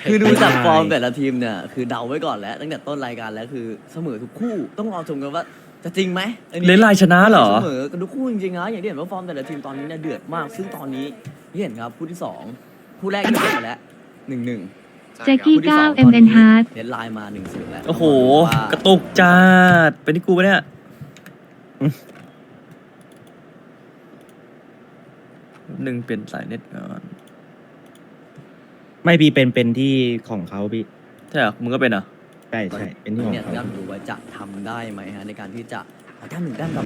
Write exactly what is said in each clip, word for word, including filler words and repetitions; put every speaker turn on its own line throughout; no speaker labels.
คือดูจากฟอร์มแต่ละทีมเนี่ยคือเดาไว้ก่อนแล้วตั้งแต่ต้นรายการแล้วคือเสมอทุกคู่ต้องรอชมกันว่าจะจริงไหม
เลนไลน์ชนะเหรอ
เสมอกันทุกคู่จริงๆนะอย่างที่เห็นว่าฟอร์มแต่ละทีมตอนนี้เนี่ยเดือดมากซึ่งตอนนี้ที่เห็นครับคู่ที่สองคู่แรกที่เสร็จไปแล้วหนึ่งหนึ่ง
แจ็คกี้ก้าว เอ็ม เอ็น Hart
เลนไลน์มาหนึ่งศูนย์แล้ว
โอ้โห กระตุกจัดเป็นที่กูปะเนี่ยหนึ่งเปลี่ยนสายเน็ตก่อน
ไม่พี่เป็นเป็นที่ของเขาพี่
ใช่เหรอมึงก็เป็นเหรอ
ใช่ใช่เป็นที่ของ
เนี่ย
เขา
ด้านดูว่าจะทำได้ไหมฮะในการที่จะเอาด้านหนึ่งด้านแบบ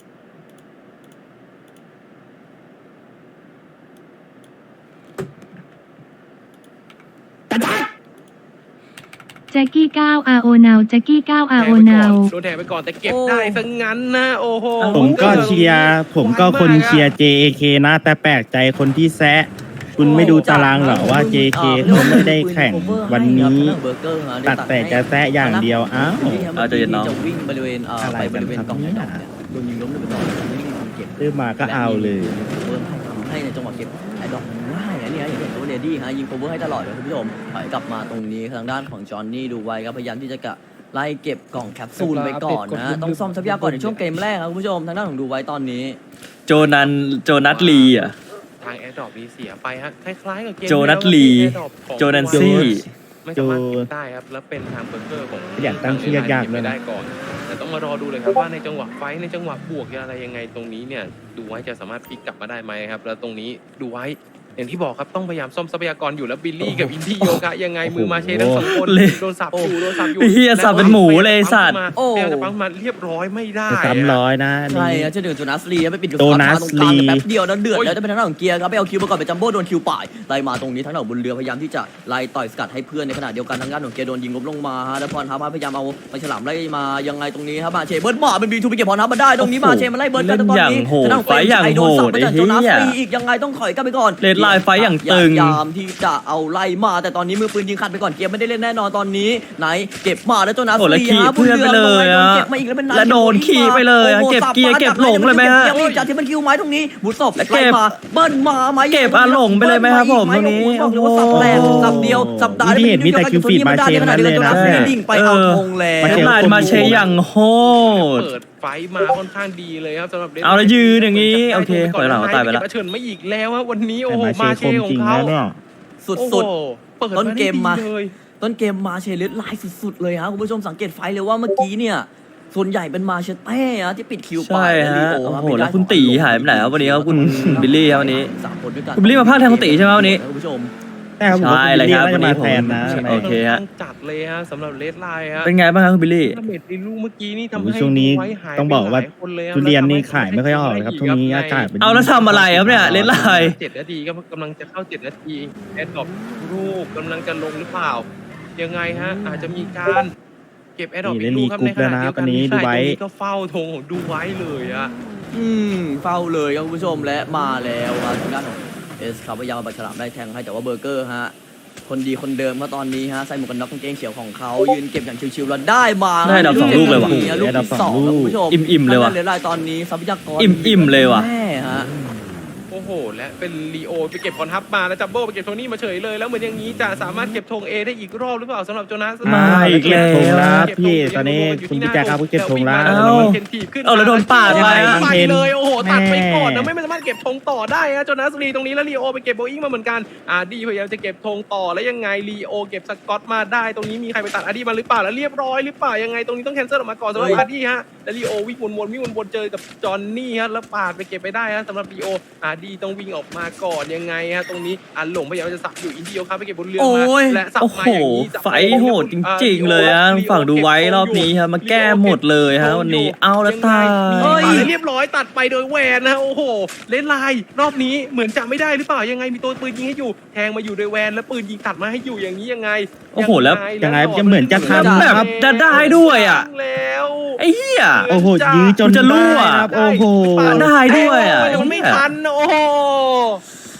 แจ็คกี้ก้าว อาร์ โอ now แจ็คกี้ก้าว อาร์ โอ now
โดนแทงไปก่อนแต่เก็บได้ซะงั้นนะโอ้โห
ผมก็เชียร์ผมก็คนเชียร์ เจ เอ เค นะ แต่แปลกใจคนที่แซะคุณไม่ดูตารางเหรอว่า เจ เค เขาไม่ได้แข่งวันนี้ตัดแต่จะแซะอย่างเดียวอ้าว
เอาใจเย็นน้อง
จะวิ่งบริเวณเอ่อ
อะไร
ไปบริเวณ
กันครับ
กล่อง
เนี่ย
ดอกเนี่ยโดนยิงล้มไปก่อนไม่มีคนเก็บ
ซื้อมาก็เอาเลย
เพิ่มให้ทำให้ในจังหวะเก็บไอ้ดอกง่ายอันนี้อย่างเห็นตัวเลดี้ฮะยิงโคเวอร์ให้ตลอดเลยคุณผู้ชมถอยกลับมาตรงนี้ทางด้านของจอห์นนี่ดูไว้ครับพยายามที่จะกะไล่เก็บกล่องแคปซูลไปก่อนนะต้องซ่อมทรัพยากรในช่วงเกมแรกครับคุณผู้ชมทางด้านของดูไว้ตอนนี้
โจนันโจนัทลีอ่ะ
ทางแอร์ดรอปนี้เสียไปฮะคล้ายๆกับเกม
โจนัทลี โจนันซี่
ไม่สามารถเก็บได้ครับแล้วเป็นทางเบอร์เกอร์ของ
อยากตั้งชื่อยากๆ
เล
เลย ยนะ
ได้ก่อนแต่ต้องมารอดูเลยครับว่าในจังหวะไฟท์ในจังหวะบวกอะไรยังไงตรงนี้เนี่ยดูไว้จะสามารถพลิกกลับมาได้ไหมครับแล้วตรงนี้ดูไว้อย่างที่บอกครับต้องพยายามซ่อมทรัพยากรอยู่แล้วบิลลี่กับอินดี้โยกะยังไงมือมาเชทั้งสองคน
เละ
โดนสับอยู่โดนสับอยู่
ไอ้เหี้ยสับเป็นหมูเลยไอ้สัตว์
โอ้
พยายามจะปั๊มมาเรียบร้อยไม่ได้
จะซ้ำร้อยนะ
ใช่
นี่
ครับเจะเดือดโจนัสลีไปปิดกับ
โจนัส
ตรงกลาง
ลี
แป๊บเดียวแล้วเดือดแล้วจะเป็นทางด้านของเกียร์ครับไปเอาคิวมาก่อนไปจัมโบ้โดนคิวป่ายไล่มาตรงนี้ทางด้านของบนเรือพยายามที่จะไล่ต่อยสกัดให้เพื่อนในขณะเดียวกันทางด้านของเกียร์โดนยิงล้มลงมาฮะแล้วพรทับพยายามเอาไปฉลามไล่มายังไงตรงนี้ครับมาเชเบิร์ดมาเป็นบีทูไปเก็บพรทับมาได้ตรงนี้มาเชมันไล่เบิร์ดกันตอนนี้
เล่นอย่างโหด
ทางด้านของ
ไฟอย่าง
โดนสับไปจาก
โหด
โจนัส
ไอ้เหี้ย
ลีอีกยังไงต้องถอยกลับไปก่อน
เรดไลน์ไฟอย่างตึง
พยายามที่จะเอาไล่มาแต่ตอนนี้มือปืนยิงขัดไปก่อนเกียร์ไม่ได้เล่นแน่นอนตอนนี้ไหนเก็บมาแล้วโจนัส
โอ้แล้ว
ลี
ขี่
ฮะบ
เพื่อนไปเลยอะ
เก็บมาอีกแล้วเป็น
และโดนขี่ไปเลยอะ
โอ้โห
เก็บ
สั
เกียร์
มา
เก็บหลงเลยไหมฮะ
เก็บจากที่มันคิวไม้ตรงนี้บุษบ
และเก็บ
ไล่มาเบิ้ลมาไหม
เก็บอาหลงไปเลยไหมครับผมตรงนี้
บอกเลยว่าสับแรกสับเดียวสับดา
นี่เห็นมีแต่คิวฟีดมาเชนนั้นเลยนะ
ดิ่งไปเอาธงแล้
เร
ว
ดไลน์มาเชยอย่างโหด
เปิดไฟมาค่อนข้างดีเลยครับสำหรับ Red
เอาแล้วยืนอย่างนี้โอเคปล่อยหลังตายไปแล้ว
เก็บเฉินไม่อีกแล้วฮะวันนี้โอ้
แต่
โห
มาเช
มา
ค
เช
ม
ขอ
จริ
ง
ง
เขา
นะเนี่ย
สุด
โอ้
สุด
โหเปิด
ต้นเกมมา
ได้ดีเลย
ต้นเกมมาเชลิสไลน์สุดๆเลยฮะคุณผู้ชมสังเกตไฟเลยว่าเมื่อกี้เนี่ยส่วนใหญ่เป็นมาเชเต้ฮะที่ปิดคิวไป
ใช่ฮะ
ลี
โอ้
รับ
โห
ไม่ได้
แล้วคุณตีหายไปไหนครับวันนี้ครับคุณบิลลี่ครับวันนี้
สามคนด้วยกัน
คุณบิลลี่มาพากย์แทนคุณตีใช่ไหมวันนี้
คุณผู้ชม
ใช่ครับผม
ใช่เลยครับ
ว่า
วัน
จะ
นี้
มา
ผม
แทนนะ
โอเคฮะ
ต้องจัดเลยฮะสำหรับเลดไลน์ฮะ
เป็นไงบ้างครับคุณบิลลี่
ดาเมจในลูกเมื่อกี้นี่ทำ
โอ้
ให้
โหช่วงนี้
ไว้หาย
ต้องบอกว่า
ไปหลยคนเลยฮะ
ทุเรียนนี่ขายไม่ค่อยออกเลยครับช่วงนี้อากาศเป็น
เอาแล้วทำอะไรครับเนี่ยเลนไลน์
เจ็ดนาทีก็กำลังจะเข้าเจ็ดนาทีแอดดรอปลูกกำลังจะลงหรือเปล่า ยังไงฮะอาจจะมีการเก็บแอดดรอปอีกลูกครับในขณะเดียวกัน
นี่
ใช่
เล่นลีกรุ๊ปแล้วนะวันนี้ดูไว้
ตรงนี้ก็เฝ้าธงของดูไว้เลยอะ
อืมเฝ้าเลยครับคุณผู้ชมและมาแล้วครับทางด้านของเอสครับพยายามเอาปากฉลามได้แทงให้แต่ว่าเบอร์เกอร์ฮะคนดีคนเดิมมาตอนนี้ฮะใส่หมวกกันน็อกกางเกงเขียวของเขายืนเก็บอย่างชิวๆแล้วได้มา
ได้ดอกสองลูกเลยว่ะ
ลูกที่สองครับคุณผู้ชม
อิ่มๆเลยว่ะ
ทางด้านเหลือรายตอนนี้ทรัพยากร
อิ่มๆเลยว่ะ
แม่ฮะ
โอ้โหและเป็นลีโอไปเก็บคอนทับมาแล้วจัมโบ้ไปเก็บโทนี่มาเฉยเลยแล้วเหมือนอย่างนี้จะสามารถเก็บธงเอได้อีกรอบหรือเปล่าสำหรับโจนาส
มาอีกแล้ว
เก็บธงแล้วพี่ตอนนี้คุณพี่แจ๊คครับเก็บธงแล้ว
เอ้า
เคนทีบขึ้น
เอาแล้วโดนปาดไปอะ
ไปเลยโอ้โหตัดไปก่อนนะ
แม่
ไม่สามารถเก็บธงต่อได้ฮะโจนาสลีตรงนี้แล้วลีโอไปเก็บโบอิงมาเหมือนกันอาร์ดี้พยายามจะเก็บธงต่อแล้วยังไงลีโอเก็บสกอตมาได้ตรงนี้มีใครไปตัดอาร์ดี้มาหรือเปล่าแล้วเรียบร้อยหรือเปล่ายังไงตรงนี้ต้องแคนเซิลออกมาก่อนสำหรับอาร์ดี้ฮะแล้วลีโอวิ่งวนๆวิ่งวนๆเจอกับจอห์นนี่ฮะแล้วปาดไปเก็บไปได้ฮะสำหรับลีโออาร์ดี้ต้องวิ่งออกมาก่อนยังไงฮะตรงนี้อันหลงพยายามจะสับอยู่อินเดียครับไปเก็บบนเรือ
โอ้
มาย และสับ
โอ้
มา
โห
อย่างนี้สับ
ไฟโหดจริงๆเลยฮะฝั่งดูไว้รอบนี้ครับมาแก้หมดเลยฮะวันนี้เอาแล้วตาย
เอ้ยเรียบร้อยตัดไปโดยแวนนะโอ้โหเล่นลายรอบนี้เหมือนจะไม่ได้หรือเปล่ายังไงมีตัวปืนยิงให้อยู่แทงมาอยู่โดยแวนแล้วปืนยิงตัดมาให้อยู่อย่างนี้ยังไง
โอ้โหแล้ว
ยังไงจะเหมือนจะทำ
แบบ
ครับ
จะได้ด้วยอะ
แล้ว
ไอ้เหี้ย
โอ้โหยื้อจน
จะรั่ว
ได้ครับโอ้โห
ได้ด้วยอะ
มันไม่ทันโอ้โห
โอ้โห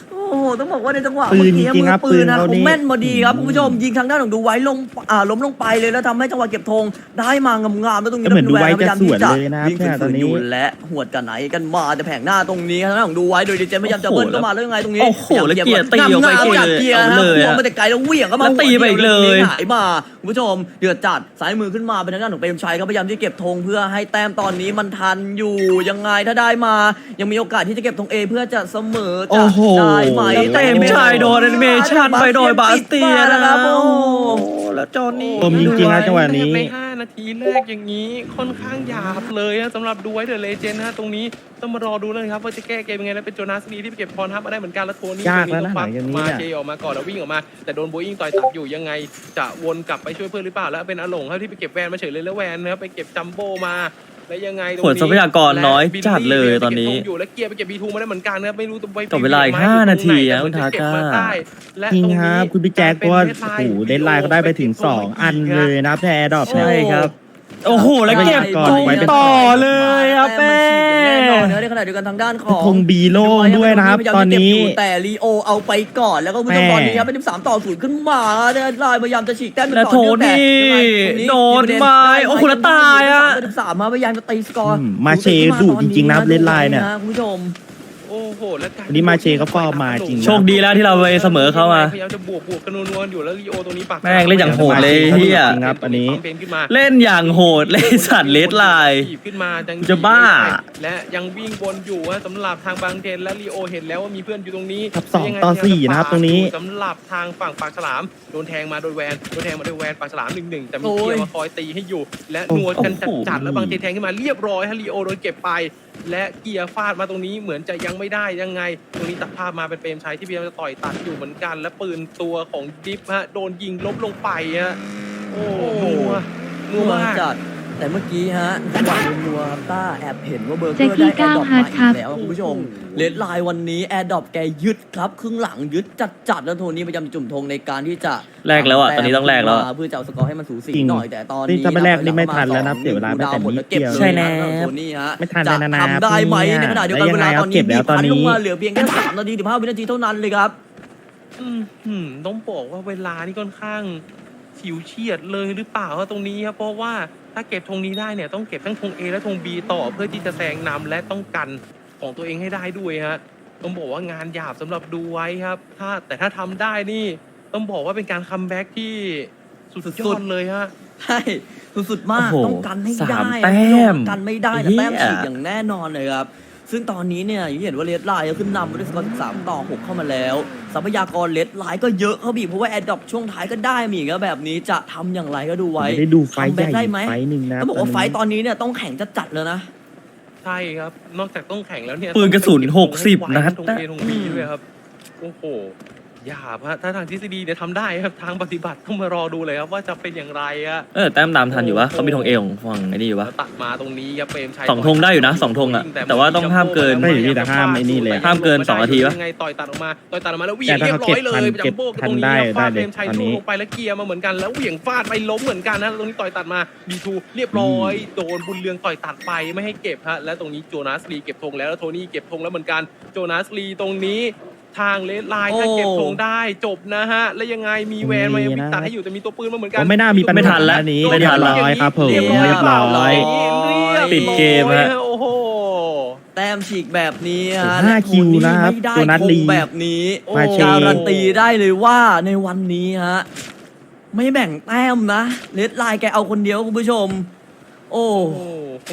ต้องบอกว่าในจังหวะ
ปืน
เมื่อกี้
จริงๆครับ
มือปืนนะ
ปืนเขา
เขา
นี่
แม่นมาดีครับคุณผู้ชมยิงทางด้านของดูไว้ลงอ่าล้มลงไปเลยแล้วทำให้จังหวะเก็บธงได้มางามๆแล้วตรงนี้
ก็เหมือนดูไว้
พยายามที่
จะสวนเลยนะครับ
วิ่ง
เนี่ยต
ฝื
อน
น
นี้
ๆอยู่และหวดกันไหนกันมาแต่แผงหน้าตรงนี้ทางด้านของดูไว้โดยดีเจพยายามจะเบิ้ลเข้ามาแล้วยังไงตรงนี้
โอ้โหแล้วเกียร์ตีออกไป
งามๆจากเกียร์
เอา
นะ
เลย
ควง
อะ
มาแต่ไกลแล้วเหวี่ยงก็มา
แล้วตีไปอีกเลย
หายมาคุณผู้ชมเดือดจัดสายมือขึ้นมาเป็นทางด้านของเปรมชัยครับพยายามที่เก็บธงเพื่อให้แต้มตอนนี้มันทันอยู่ยังไงถ้าได้มา ยังมีโอกาสที่จะเก็บธงเอเพื่อจะเสมอ
โอ้
จะ
โห
ได้ไหม
แล้วเต็มชายโดนแอนิเมชันไปโดยบาสเตีย
นะ
นะ
ค
ค
รั
รั
บบ โอ้
โอ้
โห
โหแล้วจอห์นนี่
ผมจริงๆนะจังหวะนี้
ในห้านาทีแรกอย่างนี้ค่อนข้างหยาบเลยนะสำหรับดูไว้เดอะเลเจนด์นะตรงนี้ต้องมารอดูเลยครับว่าจะแก้เกมยังไงแล้วเป็นโจนาสลีที่ไปเก็บพรทับมาได้เหมือนกันแล้วโทนี่
ยากแล้ว
ตรง
นะ
ฟั
หลังจากนี้
มา
เนี่ย
เจออกมาก่อนแล้ววิ่งออกมาแต่โดนโบอิงต่อยตัดอยู่ยังไงจะวนกลับไปช่วยเพื่อนหรือเปล่าแล้วเป็นอาหลงครับที่ไปเก็บแวนมาเฉยเลยแล้วแวนนะครับไปเก็บจัมโบ้มาแล้วยังไงตรง
ผล
นี้
ทรัพยากรน้อยจัดเลยตอนนี้
และบิลลี่ไปเก็บธงอยู่แล้วเกียร์ไปเก็บบีทูมาได้เหมือนกันนะครับไม่รู้ตัวไป
ต่อเวลาอีกห้านาทีอะ
แต่เหมือจะเก็บมาได้และ
จริง
ตนี้
ครับคุณพี่แจ็คเพราะว่าโอ้โหเดนไลน์เขาได้ไปถึงสองอันเลยนะครับในแอร์ดรอป
ใช่ครับ โอ้โหแล้วเก็บ
ก่อน
ธง
ไว้เป็น
ต่อเลยครับแม่
แน่นอนนะในขณะเดียวกันทางด้านของ
ธงบีโล่งด้วยนะครับตอนนี้
แต่ลีโอเอาไปก่อนแล้วก็คุณผู้ชม
แม่
ตอนนี้ครับเป็นสิบสามต่อศูนย์ขึ้นมาได้ไล่พยายามจะฉีกแต้ม
และโทนี่โดนไม้โอ้โหแล้วตายอะ
สิบสามมาพยายามจะตีสกอร์
อืมมาเชดุจริงๆนะครับเล่นไลน์เนี่ย
คุณผู้ชม
โอ้โหแล้วการ
วันนี้มาเชเขาฟอร์มมาจริงนะ
โชคดีแล้วที่เราไปเสมอเขามา
พยายามจะบวกบวกกันนัวๆอยู่แล้วลีโอตรงนี้ปาก
แม่งเล่นอย่างโหดเลยเฮีย
จริงครับอันนี้
ปั๊มเป็นขึ้นมา
เล่นอย่างโหดเล่นสัตว์เลดไลน์
ถีบขึ้นมาจัง
จะบ้า
และยังวิ่งวนอยู่ฮะสำหรับทางบางเทนและลีโอเห็นแล้วว่ามีเพื่อนอยู่ตรงนี้
ครับสอง
ยังไง
ต่อสี่นะครับตรงนี้
สำหรับทางฝั่งปากฉลามโดนแทงมาโดยแวนโดนแทงมาโดยแวนปากฉลามหนึ่งหนึ่งแต่มี
โอ้ย
เกียร์มาคอยตีให้อยู่ และนัวกันจัดๆแล้วบางเทนแทงขึ้นมาเรียบร้อยฮะลีโอโดนเก็บไป และเกียร์ฟาดมาตรงนี้เหมือนจะยังไม่ได้ยังไง ตรงนี้ตัดภาพมาเป็นเปรมชัยที่พยายามจะต่อยตัดอยู่เหมือนกัน และปืนตัวของดิฟฮะโดนยิงล้มลงไปฮะโอ้โหนัวนัวมาก
จัดแต่เมื่อกี้ฮะจังหวะนัวๆครับต้าแอบเห็นว่าเบอร์เก
แจ็
อ
ค
ร์
กี้
ได้แอร์ดรอป
เก้า
มา
ครั
อี
บ
กแล้วคุณผู้ชมเลดไลน์วันนี้แอร์ดรอปแกยึดครับครึ่งหลังยึดจัดๆแล้วโทนี่พยายามจะจุ่มธงในการที่จะ
แลกแล้วอะตอนนี้ต้องแลกแล้วอะ
เพื่อจะเอาสกอร์ให้มันสูสี
จริง
หน่อยแต่ตอน
นี่
นี้
ถ้าไม่แลกนี่ไม่ทันแล้วนะเสียเวลาไปแต่นิดเดียว
ใช่แน่โทนี่ฮะ
ไม่ทัน
จะ
แล้วนะ
ทำได้ไหม
เนี่ย
ในขณะเดียวกัน
แล้ว
เว
ยังไง
ลา
ครับ
ตอน
เก็
นี้
บแล้วตอนนี้
มีพัลงมาเหลือเพียงแค่สามนาทีสิบห้าวินาทีเท่านั้นเลยครับ
อืมอืมต้องบอกว่าเวลานี่ค่อนข้างฉิวเฉียดเลยหรือเปล่าครับตรงนี้ครับเพราะว่าถ้าเก็บธงนี้ได้เนี่ยต้องเก็บทั้งธง A และธง B ต่อเพื่อที่จะแซงนำและต้องกันของตัวเองให้ได้ด้วยฮะต้องบอกว่างานหยาบสำหรับดูไว้ครับถ้าแต่ถ้าทำได้นี่ต้องบอกว่าเป็นการคัมแบ็กที่สุดยอดเลยฮะ
ใช่สุดๆมาก
โอ้โห
ต้องกันให้
สา
ได้
มแต้ม
กันไม่ได้แต่
เหี้ย
แต้มฉีกอย่างแน่นอนเลยครับซึ่งตอนนี้เนี่ยอย่างที่เห็นว่าเลดไลน์ก็ขึ้นนำมาด้วยสกอร์สิบสามต่อหกเข้ามาแล้วทรัพยากรเลดไลน์ก็เยอะเขาบีบเพราะว่าแอดดอปช่วงท้ายก็ได้มีอีกแล้วแบบนี้จะทำอย่างไรก็ดูไว้
ไม่ได้ดูไฟท์ใหญ่
ทำได้ไหม
ไฟท์หนึ่งนะ
ต้องบอกว่าไฟต์ตอนนี้เนี่ยต้องแข่งจัดๆเลยนะ
ใช่ครับ นอกจากต้องแข่งแล้วเนี่ย
ปืนกระสุน
ต้อง
หกสิบ
ให้ไว
นัด
ตรง
นะ
เอตรงบีด้วยครับ โอ้โหหยาบฮะถ้าทางทฤษฎีเนี่ยทำได้ครับ ทางปฏิบัติต้องมารอดูเลยครับว่าจะเป็นอย่างไรอะ
เออแต้มตามทันอยู่วะเขามีธงเอของฝั่งไอ้นี่อยู่วะ
แล้วตัดมาตรงนี้ครับเปรมชัย
สองธงได้อยู่นะสองธงอะแต่ว่าต้องห้ามเกิน
ไม่อยู่นี่แต่ห้ามไอ้นี่เลย
ห้ามเกินสองนาทีปะ
ยังไงต่อยตัดออกมาต่อยตัดออกมาแล้วเหวี่ย
แต่
ง
ถ้า
เรียบร้อยเลย
เขาเก็บทัน
จัมโบ้
เก็บทัน
ตรง
ได้
นี้ฟาด
ได้
เป
เล
ร
ย
มชัย
ตอน
ชู
นี้
ลงไปแล้วเกียร์มาเหมือนกันแล้วเหวี่ยงฟาดไปล้มเหมือนกันนะตรงนี้ต่อยตัดมาบีทูเรียบร้อยโดนบุญเรืองต่อยตัดไปไม่ให้เก็บฮะและตรงนี้โจนาสลีเก็บธงแล้วแล้วโทนี่เก็บธงแล้วเหมือนกันโจนาสลีตรงนี้ทางเลดไลน์ถ้าเก็บธงได้จบนะฮะแล้วยังไงมีแวนมายังมีตัดให้อยู่แต่มีตัวปืนมาเหมือนกั
ก็
น
ไม่น่ามีปัญ
ไม่ทั
หาน
แล้ว
อันนี้
ไม่ทันแล้ว
เรียบร้อยครับผม
เรี
เรี
ย
ย
บบ ร้
ร้
อ
อย ย
ปิดเกมฮะ
โอ้โห
แต้มฉีกแบบนี้ฮะ
ห้า
และโท
คิวนะครับ
ไม่ได้
โจนัส
ธ
ลี
งแบบนี้
มาเช
การันตีได้เลยว่าในวันนี้ฮะไม่แบ่งแต้มนะเลดไลน์แกเอาคนเดียวคุณผู้ชม โอ้
โอ้โห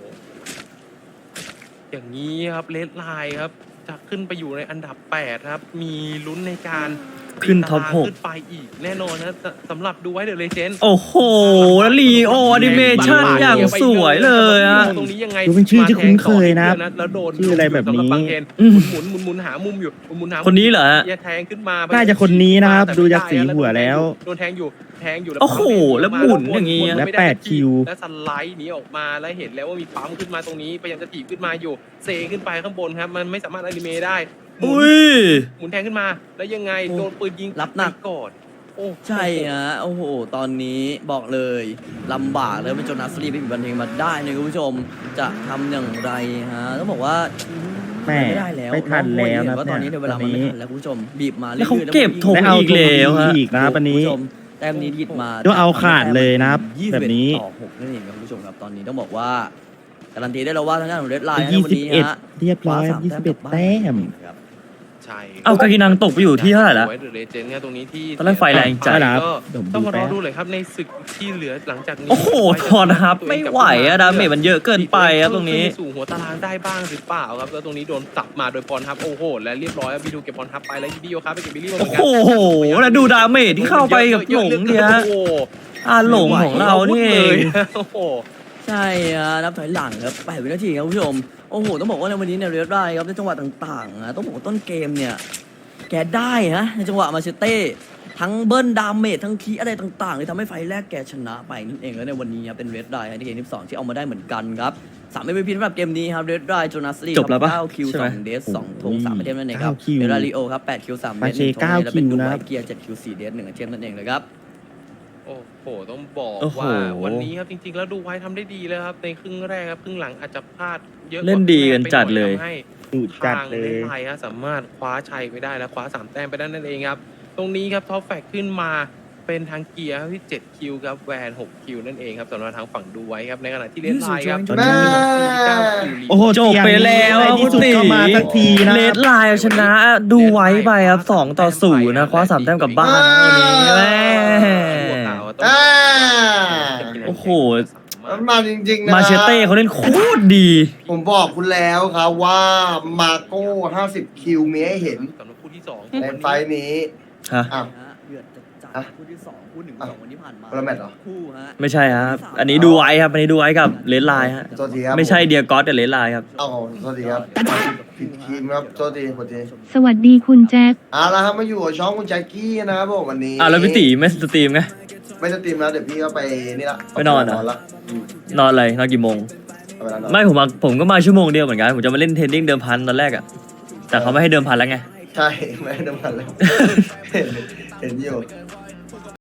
อย่างนี้ครับเลดไลน์ครับจะขึ้นไปอยู่ในอันดับแปดครับมีลุ้นในการ
ขึ้นท็อปหก
ขึ้นไปอีกแน่นอนนะสำหรับดูไว้เดอะเลเจนด์
โอ้โหแล้วลีโอแอนิเมชันอย่างสวยเลยอะ
ตรงนี้ยังไง
ดูเป็นชื่อที่คุ้นเคยนะครับ
แล้วโดน
ชื่ออะไรแบบนี้
สำหบางเทน
อืม
หมุนหมุนหมุนหามุมอยู่หมุนหามุม
คนนี้เหรอฮะ
แย่แทงขึ้นมา
น่าจะคนนี้นะครับ
แต่
ดูจากสีหัวแล้ว
โดนแทงอยู่แทงอยู่
โอ้โหแล้วหมุนอย่างงี้
นี้
และแปดคิว
และสไลด์หนีออกมาแล้วเห็นแล้วว่ามีปั๊มขึ้นมาตรงนี้พยายามจะถีบขึ้นมาอยู่เซขึ้นไปข้างบนครับมันไม่สามารถอนิเมะได้หมุน
อุ้ย
หมุนแทงขึ้นมาแล้วยังไงโดนปืนยิง
รับหนัก
ไปก่อนโอ้
ใช่ฮะโอ้โห ตอนนี้บอกเลยลำบากเลยเป็นโจนาสลีไปอีกวันหนึงมาได้นะคุณผู้ชมจะทำอย่างไรฮะต้องบอกว่า
แม่
ไม่ได้แล้ว
ไม่ทันแล้วนะ
เพราะตอนนี้ในเวลามันไม่ทันแล้วคุณผู้ชมบีบมา
แล้วเขา
รื่อยๆ
เก็บธง
ได้เอา
อีกแล้วฮะ
อีกนะวันนี้
คุณผู้ชมแต้มนี้ยิดมา
ก็เอาขาดเลยนะครับ
ยี่สิ
แบบนี้
ต่อหกนั่นเองครับคุณผู้ชมครับตอนนี้ต้องบอกว่าการันตีได้แล้วว่าทางด้านของเรดไลน์
ยี่
วัน
สิบ
นี้
เอ็ด
ฮะ
เรียบร้อย
คว้าสาม
ยี่สิบเอ็ด
กลับบ้าน
แต้ม
ครับ
ใช่
เอากากินังตกไปอยู่ที่เท่าไหร่แล้ว
ไว้เดอะเลเจนด์เนี่ยตรงนี้ที่
ตอนแรกไฟแรงจัด
ก็
เดี๋ยวผม
ต้อง
ดู
มาร
แป๊
อบ ดูเลยครับในศึกที่เหลือหลังจากนี้
โอ้โหทอนครับไม่ไหวอะดาเมจมันเยอะเกินไปอะตรงนี้
ขึ้สู่หัวตารางได้บ้างหรือเปล่าครับแล้วตรงนี้โดนตับมาโดยพรทับโอ้โหและเรียบร้อยครับบีดูเก็บพรทับไปแล้วบีโอครับไปเก็บบิลลี่มาเหมื
โอ้
อนกัน
โหแล้วดูดาเมจที่เข้าไปกับหลงเนี่ย
โอ้โห
อาหลงของเรานี่เอง
โอ้โห
ใช่ฮะนับถอยหลังครับแปดวินาทีครับคุณผู้ชมโอ้โหต้องบอกว่าในวันนี้เนี่ยเรดไลน์ครับในจังหวะต่างๆนะต้องบอกว่าต้นเกมเนี่ยแกได้นะในจังหวะมาเชเต้ทั้งเบิ้ลดาเมจทั้งคีอะไรต่างๆเลยทำให้ไฟแรกแกชนะไปนั่นเองแล้วในวันนี้ครับเป็นเรดไลน์ที่เกมที่สองที่เอามาได้เหมือนกันครับสาม เอ็ม วี พี สำหรับเกมนี้ครับเรดไลน์โจนาสลี
จบแล้วปะ
เก้าคิว
ใช่
ส
ไหม
องเดสสองธงสามไอเทมนั่นเองครับ
เก้าคิว
เรดาริโอครับแปดคิวสามเดส
มาเช
หนึ่งธง
เก้า
และเป็น
คิว
ดู
นะ
ไว
ครับ
เกียร์เจ็ดคิวสี่เดสหนึ่งไอเทมนั่นเองเลยครับ
โอ้โห ต้องบอก
โอ้โห
ว่าวันนี้ครับจริงๆ แล้วดูไว้ทำได้ดีเลยครับในครึ่งแรกครับครึ่งหลังอาจจะพลาดเยอะกว่า
เล่นดีกันจัดเลย
ทำให้
ดูจัด
ทาง
เล
เล่
ย
นไทยครับสามารถคว้าชัยไปได้และคว้าสามแต้มไปได้นั่นเองครับ ตรงนี้ครับท็อปแฟกขึ้นมาเป็นทางเกียร์ครับที่เจ็ดคิวครับแวนหกคิวนั่นเองครับสำหรับทางฝั่งดูไว้ครับในขณะที่เล่นไทยครับ
User joined
แม่
เก้าคิว
โอ้โห
จบไปแล้ว
ในที่สุดก็มาสักทีนะ
เลดไลน์ชนะดูไว้ไปครับสองต่อศูนย์นะคว้าสามแต้มกลับบ้านนะวันนี้แม่
อ่า
โอ้โห
มันมาจริงๆนะ
มาเชเต้เขาเล่นโคตรดี
ผมบอกคุณแล้วครับว่ามาโก้ห้าสิบคิวมีให้เห็น
สำหรับคู่ที่สอง
ในไฟล์นี้
ฮะ
อ้าว
ฮะเดือดจัดจัด
อ่ะ
คู่ที่สองคู่หนึ่ง
อ่ะ
สองวันที่ผ่านมา
คนละแมตช์เหรอ
คู่ฮะ
ไม่ใช่ครับ อันนี้ดูไว้ครับ อันนี้ดูไว้กับเลดไลน์ฮะ
โทษทีครับ
ไม่ใช่เดียกอสแต่เลดไลน์ครับ
เอาโทษทีครับผิดทีมครับโทษทีโทษที
สวัสดีคุณแจ็ค
เอาละครับมาอยู่กับช่องคุณแจ็คกี้นะครับผมวันนี้
อ้าวแล้วพี่ตีไม่สตรีมไง
ไม่สตรีมแล้วเดี๋ยวพี่ก็ไปนี่ละ
ไปนอนเหรอ
ละอืม
นอนอะไร นอนกี่โมง
เอาเวลานอน
ไม่ผมมาผมก็มาชั่วโมงเดียวเหมือนกัน ผมจะมาเล่นเทรนนิ่งเดิมพันตอนแรกอะแต่เขาไม่ให้เดิมพันแล้วไง
ใช่ไม่ได้น้ำมันแล้วเห็นเห็นอยู่